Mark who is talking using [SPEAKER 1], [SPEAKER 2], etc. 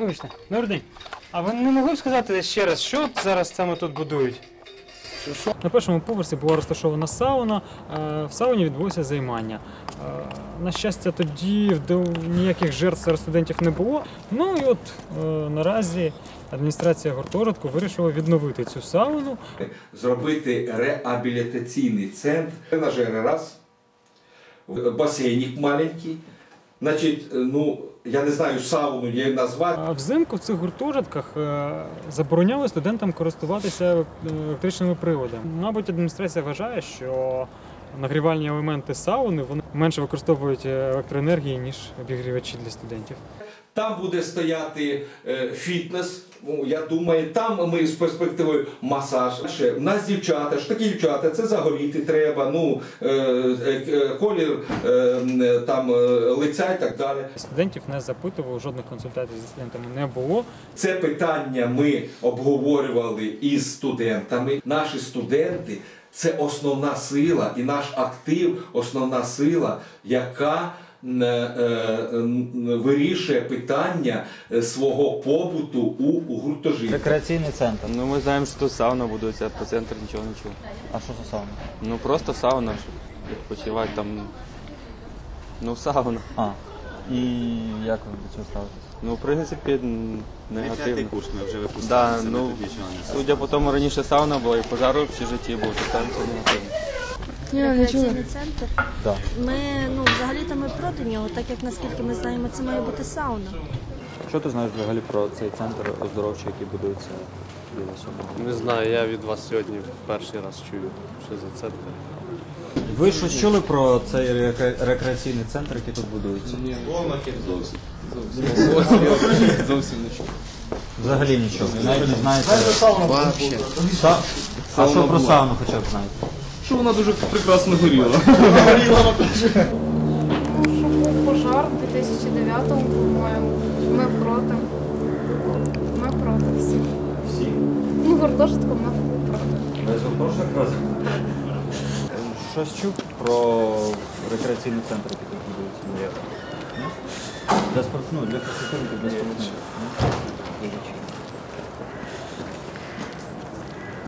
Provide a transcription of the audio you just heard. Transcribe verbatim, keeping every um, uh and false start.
[SPEAKER 1] Вибачте, добрий день. А ви не могли б сказати ще раз, що зараз саме тут будують? На першому поверсі була розташована сауна, в сауні відбулося займання. На щастя, тоді ніяких жертв серед студентів не було. Ну і от наразі адміністрація гуртожитку вирішила відновити цю сауну.
[SPEAKER 2] Зробити реабілітаційний центр, тренажери раз, басейник маленький. Значить, ну, я не знаю, сауну її назвати.
[SPEAKER 1] А взимку в цих гуртожитках забороняли студентам користуватися електричними приладами. Мабуть, адміністрація вважає, що нагрівальні елементи сауни вони менше використовують електроенергії, ніж обігрівачі для студентів.
[SPEAKER 2] Там буде стояти е, фітнес, ну, я думаю, там ми з перспективою масаж. У нас дівчата, ж такі дівчата, це загоріти треба, ну, е, е, колір е, там, е, лиця і так далі.
[SPEAKER 1] Студентів не запитували, жодних консультацій зі студентами не було.
[SPEAKER 2] Це питання ми обговорювали із студентами. Наші студенти – це основна сила і наш актив – основна сила, яка вирішує питання свого побуту у гуртожитку.
[SPEAKER 3] Рекреаційний центр.
[SPEAKER 4] Ну ми знаємо, що тут сауна будується, а про центр нічого не чув.
[SPEAKER 3] А що це сауна?
[SPEAKER 4] Ну просто сауна, відпочивати там, ну сауна.
[SPEAKER 3] А, і як ви до цього ставитесь?
[SPEAKER 4] Ну в принципі негативно.
[SPEAKER 5] П'ятий курс ми вже випускалися,
[SPEAKER 4] Да,
[SPEAKER 5] ми
[SPEAKER 4] ну,
[SPEAKER 5] тут нічого не знаємо.
[SPEAKER 4] судя по тому, раніше сауна була і пожар в житті був, то там це негативно.
[SPEAKER 6] Рекреаційний центр.
[SPEAKER 3] Так.
[SPEAKER 6] Ми, ну, взагалі-то ми проти нього, так як наскільки ми знаємо, це має бути сауна.
[SPEAKER 3] Що ти знаєш взагалі про цей центр оздоровчий, який будується біля сьогодні?
[SPEAKER 7] Не знаю, я від вас сьогодні перший раз чую, що за центр.
[SPEAKER 3] Ви щось чули про цей рекре- рекреаційний центр, який тут будується?
[SPEAKER 5] Ні, зовсім.
[SPEAKER 7] Зовсім не чую.
[SPEAKER 3] Взагалі нічого. Навіть не знаєте. Та- А що про сауну хоча б знаєте?
[SPEAKER 7] Що вона дуже прекрасно горіла.
[SPEAKER 8] Що був пожар у дві тисячі дев'ятому, по-моєму. Ми проти. Ми проти всі.
[SPEAKER 3] Всі?
[SPEAKER 8] Ну, гуртожитком ми проти.
[SPEAKER 3] Весь гуртожиток разом? Щось чув про рекреаційний центр, який тут будується? Ні? Для спорту, ну, для фізкультури, для спорту.